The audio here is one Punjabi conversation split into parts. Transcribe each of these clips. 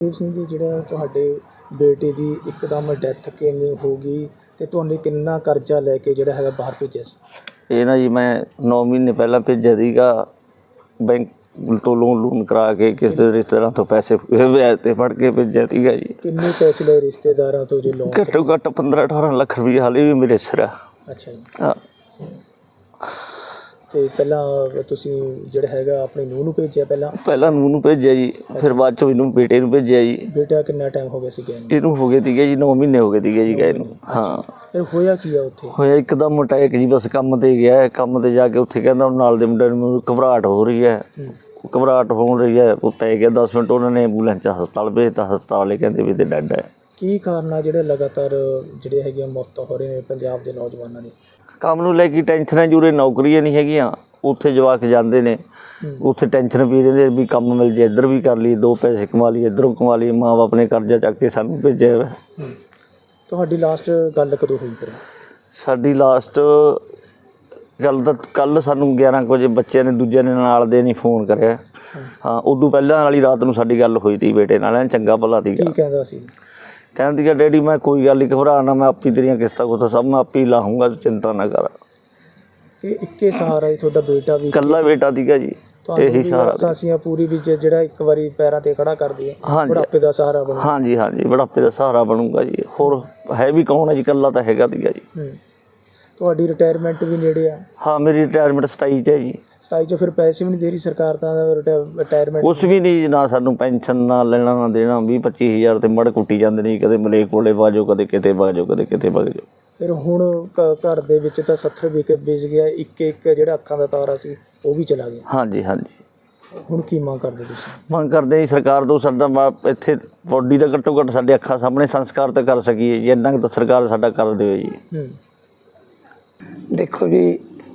ਦੀਪ ਸਿੰਘ ਜੀ, ਜਿਹੜਾ ਤੁਹਾਡੇ ਬੇਟੇ ਦੀ ਇੱਕਦਮ ਡੈਥ ਕਿਵੇਂ ਹੋ ਗਈ ਤੇ ਤੁਹਾਨੂੰ ਕਿੰਨਾ ਕਰਜ਼ਾ ਲੈ ਕੇ ਜਿਹੜਾ ਹੈਗਾ ਬਾਹਰ ਭੇਜਿਆ ਸੀ? ਇਹ ਨਾ ਜੀ ਮੈਂ 9 ਮਹੀਨੇ ਪਹਿਲਾਂ ਭੇਜਿਆ ਸੀਗਾ ਬੈਂਕ ਤੋਂ ਲੋਨ ਕਰਾ ਕੇ ਕਿਸੇ ਦੇ ਰਿਸ਼ਤੇਦਾਰਾਂ ਤੋਂ ਪੈਸੇ ਵਿਆਜ 'ਤੇ ਫੜ ਕੇ ਭੇਜਿਆ ਸੀਗਾ ਜੀ। ਕਿੰਨੇ ਪੈਸੇ ਲਏ ਰਿਸ਼ਤੇਦਾਰਾਂ ਤੋਂ ਜੇ ਲੋਨ? ਘੱਟੋ ਘੱਟ 15-18 ਲੱਖ ਰੁਪਏ ਹਾਲੇ ਵੀ ਮੇਰੇ ਸਿਰ ਆ। ਅੱਛਾ ਜੀ। ਹਾਂ। ਤੇ ਪਹਿਲਾਂ ਤੁਸੀਂ ਜਿਹੜਾ ਹੈਗਾ ਆਪਣੀ ਨੂੰਹ ਨੂੰ ਭੇਜਿਆ? ਪਹਿਲਾਂ ਨੂੰਹ ਨੂੰ ਭੇਜਿਆ ਜੀ, ਫਿਰ ਬਾਅਦ 'ਚੋਂ ਇਹਨੂੰ ਬੇਟੇ ਨੂੰ ਭੇਜਿਆ ਜੀ। ਬੇਟਾ ਕਿੰਨਾ ਟਾਈਮ ਹੋ ਗਿਆ ਸੀ ਗਏ ਨੂੰ? ਇਹਨੂੰ ਹੋ ਗਏ ਸੀਗੇ ਜੀ 9 ਮਹੀਨੇ ਹੋ ਗਏ ਸੀਗੇ ਜੀ ਗਏ ਨੂੰ। ਹਾਂ। ਫਿਰ ਹੋਇਆ ਕੀ ਆ ਉੱਥੇ? ਹੋਇਆ ਇੱਕਦਮ ਅਟੈਕ ਜੀ। ਬਸ ਕੰਮ 'ਤੇ ਗਿਆ, ਕੰਮ 'ਤੇ ਜਾ ਕੇ ਉੱਥੇ ਕਹਿੰਦਾ ਨਾਲ ਦੇ ਮੁੰਡੇ ਨੂੰ ਘਬਰਾਹਟ ਹੋ ਰਹੀ ਹੈ। ਘਬਰਾਹਟ ਹੋ ਰਹੀ ਹੈ, ਉਹ ਪੈ ਗਿਆ 10 ਮਿੰਟ, ਉਹਨਾਂ ਨੇ ਐਂਬੂਲੈਂਸ 'ਚ ਹਸਪਤਾਲ ਭੇਜਤਾ। ਹਸਪਤਾਲ ਵਾਲੇ ਕਹਿੰਦੇ ਵੀ ਤੇ ਡੈਡ ਹੈ। ਕੀ ਕਾਰਨ ਆ ਜਿਹੜੇ ਲਗਾਤਾਰ ਜਿਹੜੇ ਹੈਗੀਆਂ ਮੌਤਾਂ ਹੋ ਰਹੀਆਂ ਨੇ ਪੰਜਾਬ ਦੇ ਨੌਜਵਾਨਾਂ ਦੀ? ਕੰਮ ਨੂੰ ਲੈ ਕੇ ਟੈਨਸ਼ਨਾਂ ਜੂਰੇ, ਨੌਕਰੀਆਂ ਨਹੀਂ ਹੈਗੀਆਂ। ਉੱਥੇ ਜਵਾਕ ਜਾਂਦੇ ਨੇ, ਉੱਥੇ ਟੈਨਸ਼ਨ ਪੀ ਰਹਿੰਦੇ ਵੀ ਕੰਮ ਮਿਲ ਜੇ, ਇੱਧਰ ਵੀ ਕਰ ਲਈ, 2 ਪੈਸੇ ਕਮਾ ਲਈ, ਇੱਧਰੋਂ ਕਮਾ ਲਈ। ਮਾਂ ਬਾਪ ਨੇ ਕਰਜ਼ਾ ਚੱਕ ਕੇ ਸਾਨੂੰ ਭੇਜਿਆ ਹੋਇਆ। ਤੁਹਾਡੀ ਲਾਸਟ ਗੱਲ ਕਦੋਂ ਹੋਈ ਫਿਰ? ਸਾਡੀ ਲਾਸਟ ਗੱਲ ਤਾਂ ਕੱਲ੍ਹ ਸਾਨੂੰ 11 ਕੁ ਵਜੇ ਬੱਚਿਆਂ ਨੇ, ਦੂਜਿਆਂ ਨੇ, ਨਾਲ ਦੇ ਨਹੀਂ ਫੋਨ ਕਰਿਆ। ਹਾਂ, ਉਦੋਂ ਪਹਿਲਾਂ ਵਾਲੀ ਰਾਤ ਨੂੰ ਸਾਡੀ ਗੱਲ ਹੋਈ ਤੀ ਬੇਟੇ ਨਾਲ। ਚੰਗਾ ਭਲਾ ਸੀਗਾ। ਕੀ ਕਹਿੰਦਾ ਸੀ? ਕਹਿੰਦੀ ਕਿ ਡੈਡੀ ਮੈਂ ਕੋਈ ਗੱਲ ਨਹੀਂ, ਘਬਰਾ ਨਾ, ਮੈਂ ਆਪੀ ਤੇਰੀਆਂ ਕਿਸ਼ਤਾਂ ਕੁਸ਼ਤਾਂ ਸਭ ਮੈਂ ਆਪੀ ਲਾਹੂੰਗਾ, ਚਿੰਤਾ ਨਾ ਕਰ। ਇਹ ਇੱਕੇ ਸਹਾਰਾ ਹੀ ਤੁਹਾਡਾ ਬੇਟਾ ਵੀ? ਇਕੱਲਾ ਬੇਟਾ ਸੀਗਾ ਜੀ, ਇਹੀ ਸਹਾਰਾ ਸੀ। ਪੂਰੀ ਵੀ ਜਿਹੜਾ ਇੱਕ ਵਾਰੀ ਪੈਰਾਂ ਤੇ ਖੜਾ ਕਰ ਦਈਏ, ਬੁਢਾਪੇ ਦਾ ਸਹਾਰਾ ਬਣੂ? ਹਾਂਜੀ ਹਾਂਜੀ, ਬੁਢਾਪੇ ਦਾ ਸਹਾਰਾ ਬਣੂਗਾ ਜੀ। ਹੋਰ ਹੈ ਵੀ ਕੌਣ ਹੈ ਜੀ, ਇਕੱਲਾ ਤਾਂ ਹੈਗਾ ਸੀਗਾ ਜੀ। ਤੁਹਾਡੀ ਰਿਟਾਇਰਮੈਂਟ ਵੀ ਨੇੜੇ ਆ? ਹਾਂ, ਮੇਰੀ ਰਿਟਾਇਰਮੈਂਟ 27 'ਚ ਹੈ ਜੀ। 27 'ਚ? ਫਿਰ ਪੈਸੇ ਵੀ ਨਹੀਂ ਦੇ ਰਹੀ ਸਰਕਾਰ ਤਾਂ ਰਿਟਾਇਰਮੈਂਟ? ਕੁਛ ਵੀ ਨਹੀਂ, ਨਾ ਸਾਨੂੰ ਪੈਨਸ਼ਨ, ਨਾ ਲੈਣਾ ਨਾ ਦੇਣਾ। 20-25 ਹਜ਼ਾਰ ਤੇ ਮੜ ਕੁੱਟੀ ਜਾਂਦੇ ਨੇ, ਕਦੇ ਮਲੇਕ ਕੋਲੇ ਬਾਜੋ, ਕਦੇ ਕਿਤੇ ਬਾਜੋ, ਕਦੇ ਕਿਤੇ ਬਾਜੋ। ਫਿਰ ਹੁਣ ਘਰ ਦੇ ਵਿੱਚ ਤਾਂ 70 ਵਿਕ ਗਿਆ, ਇੱਕ ਜਿਹੜਾ ਅੱਖਾਂ ਦਾ ਤਾਰਾ ਸੀ ਉਹ ਵੀ ਚਲਾ ਗਿਆ। ਹਾਂਜੀ ਹਾਂਜੀ। ਹੁਣ ਕੀ ਮੰਗ ਕਰਦੇ ਤੁਸੀਂ? ਮੰਗ ਕਰਦੇ ਜੀ ਸਰਕਾਰ ਤੋਂ ਸਾਡਾ ਇੱਥੇ ਬੋਡੀ ਦਾ ਘੱਟੋ ਘੱਟ ਸਾਡੇ ਅੱਖਾਂ ਸਾਹਮਣੇ ਸੰਸਕਾਰ ਤਾਂ ਕਰ ਸਕੀਏ ਜੀ, ਇੰਨਾ ਕੁ ਤਾਂ ਸਰਕਾਰ ਸਾਡਾ ਕਰ ਦੇਵੇ ਜੀ। ਦੇਖੋ ਜੀ,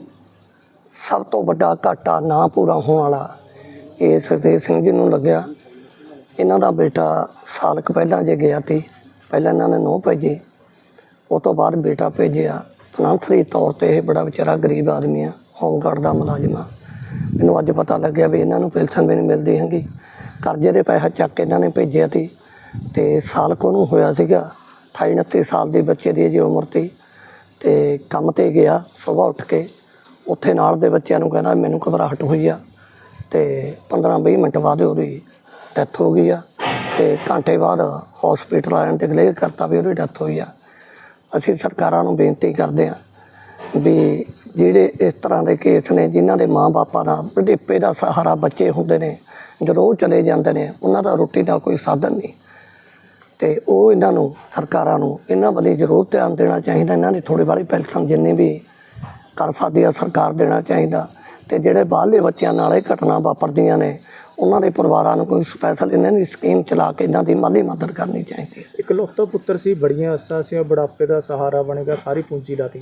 ਸਭ ਤੋਂ ਵੱਡਾ ਘਾਟਾ ਨਾ ਪੂਰਾ ਹੋਣ ਵਾਲਾ ਇਹ ਸੁਖਦੇਵ ਸਿੰਘ ਜੀ ਨੂੰ ਲੱਗਿਆ। ਇਹਨਾਂ ਦਾ ਬੇਟਾ ਸਾਲ ਕੁ ਪਹਿਲਾਂ ਜੇ ਗਿਆ ਸੀ, ਪਹਿਲਾਂ ਇਹਨਾਂ ਨੇ ਨੂੰਹ ਭੇਜੀ, ਉਹ ਤੋਂ ਬਾਅਦ ਬੇਟਾ ਭੇਜਿਆ। ਫਾਈਨੈਂਸ਼ਲੀ ਤੌਰ 'ਤੇ ਇਹ ਬੜਾ ਵਿਚਾਰਾ ਗਰੀਬ ਆਦਮੀ ਆ, ਹੋਮਗਾਰਡ ਦਾ ਮੁਲਾਜ਼ਮ ਆ। ਮੈਨੂੰ ਅੱਜ ਪਤਾ ਲੱਗਿਆ ਵੀ ਇਹਨਾਂ ਨੂੰ ਪੈਨਸ਼ਨ ਵੀ ਨਹੀਂ ਮਿਲਦੀ ਹੈਗੀ। ਕਰਜ਼ੇ ਦੇ ਪੈਸਾ ਚੱਕ ਕੇ ਇਹਨਾਂ ਨੇ ਭੇਜਿਆ ਸੀ ਅਤੇ ਸਾਲ ਕੁ ਨੂੰ ਹੋਇਆ ਸੀਗਾ। 28-29 ਸਾਲ ਦੀ ਬੱਚੇ ਦੀ ਜੀ ਉਮਰ ਸੀ। ਅਤੇ ਕੰਮ 'ਤੇ ਗਿਆ, ਸੁਬਾਹ ਉੱਠ ਕੇ ਉੱਥੇ ਨਾਲ ਦੇ ਬੱਚਿਆਂ ਨੂੰ ਕਹਿੰਦਾ ਮੈਨੂੰ ਘਬਰਾਹਟ ਹੋਈ ਆ, ਅਤੇ 15-20 ਮਿੰਟ ਬਾਅਦ ਉਹਦੀ ਡੈਥ ਹੋ ਗਈ ਆ। ਅਤੇ ਘੰਟੇ ਬਾਅਦ ਹੌਸਪੀਟਲ ਵਾਲਿਆਂ ਨੇ ਡਿਕਲੇਅਰ ਕਰਤਾ ਵੀ ਉਹਦੀ ਡੈਥ ਹੋਈ ਆ। ਅਸੀਂ ਸਰਕਾਰਾਂ ਨੂੰ ਬੇਨਤੀ ਕਰਦੇ ਹਾਂ ਵੀ ਜਿਹੜੇ ਇਸ ਤਰ੍ਹਾਂ ਦੇ ਕੇਸ ਨੇ, ਜਿਨ੍ਹਾਂ ਦੇ ਮਾਂ ਬਾਪਾਂ ਦਾ ਬੁਢੇਪੇ ਦਾ ਸਹਾਰਾ ਬੱਚੇ ਹੁੰਦੇ ਨੇ, ਜਦੋਂ ਉਹ ਚਲੇ ਜਾਂਦੇ ਨੇ, ਉਹਨਾਂ ਦਾ ਰੋਟੀ ਦਾ ਕੋਈ ਸਾਧਨ ਨਹੀਂ, ਅਤੇ ਉਹ ਇਹਨਾਂ ਨੂੰ, ਸਰਕਾਰਾਂ ਨੂੰ ਇਹਨਾਂ ਵੱਲ ਜ਼ਰੂਰ ਧਿਆਨ ਦੇਣਾ ਚਾਹੀਦਾ। ਇਹਨਾਂ ਦੀ ਥੋੜ੍ਹੀ ਬਾਹਲੀ ਪੈਨਸ਼ਨ ਜਿੰਨੀ ਵੀ ਕਰ ਸਕਦੀ ਆ ਸਰਕਾਰ ਦੇਣਾ ਚਾਹੀਦਾ। ਅਤੇ ਜਿਹੜੇ ਬਾਹਰਲੇ ਬੱਚਿਆਂ ਨਾਲ ਇਹ ਘਟਨਾ ਵਾਪਰਦੀਆਂ ਨੇ, ਉਹਨਾਂ ਦੇ ਪਰਿਵਾਰਾਂ ਨੂੰ ਕੋਈ ਸਪੈਸ਼ਲ ਇਹਨਾਂ ਦੀ ਸਕੀਮ ਚਲਾ ਕੇ ਇਹਨਾਂ ਦੀ ਮਾਲੀ ਮਦਦ ਕਰਨੀ ਚਾਹੀਦੀ ਹੈ। ਇਕਲੌਤਾ ਪੁੱਤਰ ਸੀ, ਬੜੀਆਂ ਆਸਾਂ ਸੀ, ਬੁਢਾਪੇ ਦਾ ਸਹਾਰਾ ਬਣੇਗਾ, ਸਾਰੀ ਪੂੰਜੀ ਲਾਤੀ।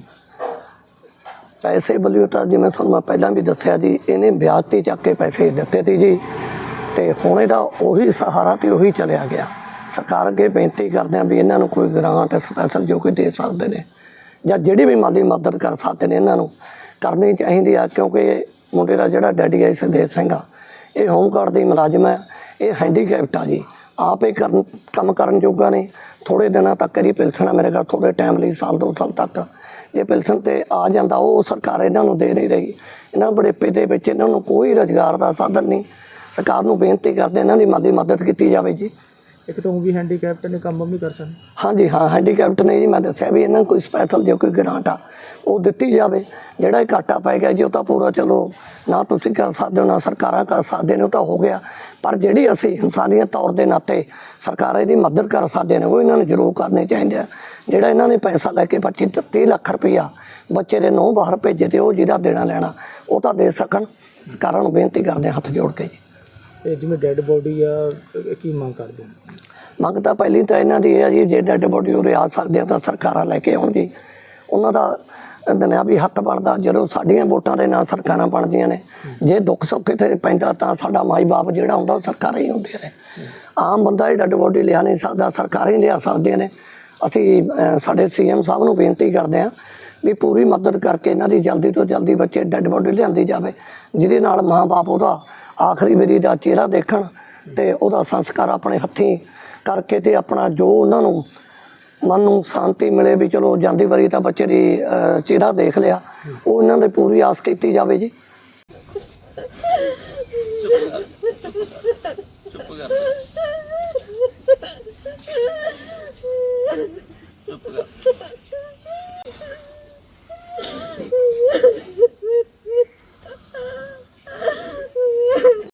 ਪੈਸੇ ਵੱਲੋਂ ਤਾਂ ਜਿਵੇਂ ਤੁਹਾਨੂੰ ਮੈਂ ਪਹਿਲਾਂ ਵੀ ਦੱਸਿਆ ਜੀ, ਇਹਨੇ ਵਿਆਜ 'ਤੇ ਚੱਕ ਕੇ ਪੈਸੇ ਦਿੱਤੇ ਸੀ ਜੀ, ਅਤੇ ਹੁਣ ਇਹਦਾ ਉਹੀ ਸਹਾਰਾ ਅਤੇ ਉਹੀ ਚਲਿਆ ਗਿਆ। ਸਰਕਾਰ ਅੱਗੇ ਬੇਨਤੀ ਕਰਦੇ ਹਾਂ ਵੀ ਇਹਨਾਂ ਨੂੰ ਕੋਈ ਗ੍ਰਾਂਟ ਸਪੈਸ਼ਲ ਜੋ ਕੋਈ ਦੇ ਸਕਦੇ ਨੇ, ਜਾਂ ਜਿਹੜੀ ਵੀ ਮਾਲੀ ਮਦਦ ਕਰ ਸਕਦੇ ਨੇ, ਇਹਨਾਂ ਨੂੰ ਕਰਨੀ ਚਾਹੀਦੀ ਆ। ਕਿਉਂਕਿ ਮੁੰਡੇ ਦਾ ਜਿਹੜਾ ਡੈਡੀ ਹੈ ਸੁਖਦੇਵ ਸਿੰਘ ਆ, ਇਹ ਹੋਮਗਾਰਡ ਦੀ ਮੁਲਾਜ਼ਮ ਹੈ। ਇਹ ਹੈਂਡੀਕੈਪਟ ਆ ਜੀ, ਆਪ ਇਹ ਕੰਮ ਕਰਨ ਜੋਗਾ ਨੇ। ਥੋੜ੍ਹੇ ਦਿਨਾਂ ਤੱਕ ਇਹਦੀ ਪੈਨਸ਼ਨ ਆ ਮੇਰੇ ਕੋਲ, ਥੋੜ੍ਹੇ ਟਾਈਮ ਲਈ, ਸਾਲ 2 ਸਾਲ ਤੱਕ ਜੇ ਪੈਨਸ਼ਨ 'ਤੇ ਆ ਜਾਂਦਾ, ਉਹ ਸਰਕਾਰ ਇਹਨਾਂ ਨੂੰ ਦੇ ਨਹੀਂ ਰਹੀ। ਇਹਨਾਂ ਬੁਢੇਪੇ ਦੇ ਵਿੱਚ ਇਹਨਾਂ ਨੂੰ ਕੋਈ ਰੁਜ਼ਗਾਰ ਦਾ ਸਾਧਨ ਨਹੀਂ। ਸਰਕਾਰ ਨੂੰ ਬੇਨਤੀ ਕਰਦੇ ਇਹਨਾਂ ਦੀ ਮਾਲੀ ਮਦਦ ਕੀਤੀ ਜਾਵੇ ਜੀ। ਇੱਕ ਤਾਂ ਉਹ ਵੀ ਹੈਂਡੀਕੈਪਟ ਨੇ, ਕੰਮ ਵੀ ਕਰ ਸਕਦੇ? ਹਾਂਜੀ ਹਾਂ, ਹੈਂਡੀਕੈਪਟ ਨੇ ਜੀ। ਮੈਂ ਦੱਸਿਆ ਵੀ ਇਹਨਾਂ ਨੂੰ ਕੋਈ ਸਪੈਸ਼ਲ ਜੇ ਕੋਈ ਗ੍ਰਾਂਟ ਆ ਉਹ ਦਿੱਤੀ ਜਾਵੇ। ਜਿਹੜਾ ਇਹ ਘਾਟਾ ਪੈ ਗਿਆ ਜੀ, ਉਹ ਤਾਂ ਪੂਰਾ ਚਲੋ ਨਾ ਤੁਸੀਂ ਕਰ ਸਕਦੇ ਹੋ, ਨਾ ਸਰਕਾਰਾਂ ਕਰ ਸਕਦੇ ਨੇ, ਉਹ ਤਾਂ ਹੋ ਗਿਆ। ਪਰ ਜਿਹੜੀ ਅਸੀਂ ਇਨਸਾਨੀਅਤ ਤੌਰ ਦੇ ਨਾਤੇ ਸਰਕਾਰਾਂ ਇਹਦੀ ਮਦਦ ਕਰ ਸਕਦੇ ਨੇ, ਉਹ ਇਹਨਾਂ ਨੂੰ ਜ਼ਰੂਰ ਕਰਨੇ ਚਾਹੀਦੇ ਆ। ਜਿਹੜਾ ਇਹਨਾਂ ਨੇ ਪੈਸਾ ਲੈ ਕੇ 25-30 ਲੱਖ ਰੁਪਈਆ ਬੱਚੇ ਦੇ ਨੂੰਹ ਬਾਹਰ ਭੇਜੇ, ਅਤੇ ਉਹ ਜਿਹਦਾ ਦੇਣਾ ਲੈਣਾ ਉਹ ਤਾਂ ਦੇ ਸਕਣ। ਸਰਕਾਰਾਂ ਨੂੰ ਬੇਨਤੀ ਕਰਦੇ ਹੱਥ ਜੋੜ ਕੇ ਜੀ। ਇਹ ਜਿਵੇਂ ਡੈੱਡ ਬੋਡੀ ਆ, ਕੀ ਮੰਗ ਕਰਦੇ ਹੋ? ਮੰਗ ਤਾਂ ਪਹਿਲੀ ਤਾਂ ਇਹਨਾਂ ਦੀ ਇਹ ਆ ਜੀ, ਜੇ ਡੈੱਡ ਬੋਡੀ ਉਰੇ ਆ ਸਕਦੇ ਆ ਤਾਂ ਸਰਕਾਰਾਂ ਲੈ ਕੇ ਆਉਣ ਜੀ। ਉਹਨਾਂ ਦਾ ਦੁਨਿਆਵੀ ਹੱਕ ਬਣਦਾ। ਜਦੋਂ ਸਾਡੀਆਂ ਵੋਟਾਂ ਦੇ ਨਾਲ ਸਰਕਾਰਾਂ ਬਣਦੀਆਂ ਨੇ, ਜੇ ਦੁੱਖ ਸੁੱਖ ਇੱਥੇ ਪੈਂਦਾ ਤਾਂ ਸਾਡਾ ਮਾਈ ਬਾਪ ਜਿਹੜਾ ਹੁੰਦਾ ਉਹ ਸਰਕਾਰਾਂ ਹੀ ਹੁੰਦੀਆਂ ਨੇ। ਆਮ ਬੰਦਾ ਇਹ ਡੈੱਡ ਬੋਡੀ ਲਿਆ ਨਹੀਂ ਸਕਦਾ, ਸਰਕਾਰਾਂ ਹੀ ਲਿਆ ਸਕਦੀਆਂ ਨੇ। ਅਸੀਂ ਸਾਡੇ CM ਸਾਹਿਬ ਨੂੰ ਬੇਨਤੀ ਕਰਦੇ ਹਾਂ ਵੀ ਪੂਰੀ ਮਦਦ ਕਰਕੇ ਇਹਨਾਂ ਦੀ ਜਲਦੀ ਤੋਂ ਜਲਦੀ ਬੱਚੇ ਡੈੱਡ ਬੋਡੀ ਲਿਆਂਦੀ ਜਾਵੇ, ਜਿਹਦੇ ਨਾਲ ਮਾਂ ਬਾਪ ਉਹਦਾ ਆਖਰੀ ਵਾਰੀ ਦਾ ਚਿਹਰਾ ਦੇਖਣ ਤੇ ਉਹਦਾ ਸੰਸਕਾਰ ਆਪਣੇ ਹੱਥੀਂ ਕਰਕੇ ਤੇ ਆਪਣਾ ਜੋ ਉਹਨਾਂ ਨੂੰ ਮਨ ਨੂੰ ਸ਼ਾਂਤੀ ਮਿਲੇ ਵੀ ਚਲੋ ਜਾਂਦੀ ਵਾਰੀ ਤਾਂ ਬੱਚੇ ਦੀ ਚਿਹਰਾ ਦੇਖ ਲਿਆ, ਉਹ ਇਹਨਾਂ ਦੇ ਪੂਰੀ ਆਸ ਕੀਤੀ ਜਾਵੇ ਜੀ।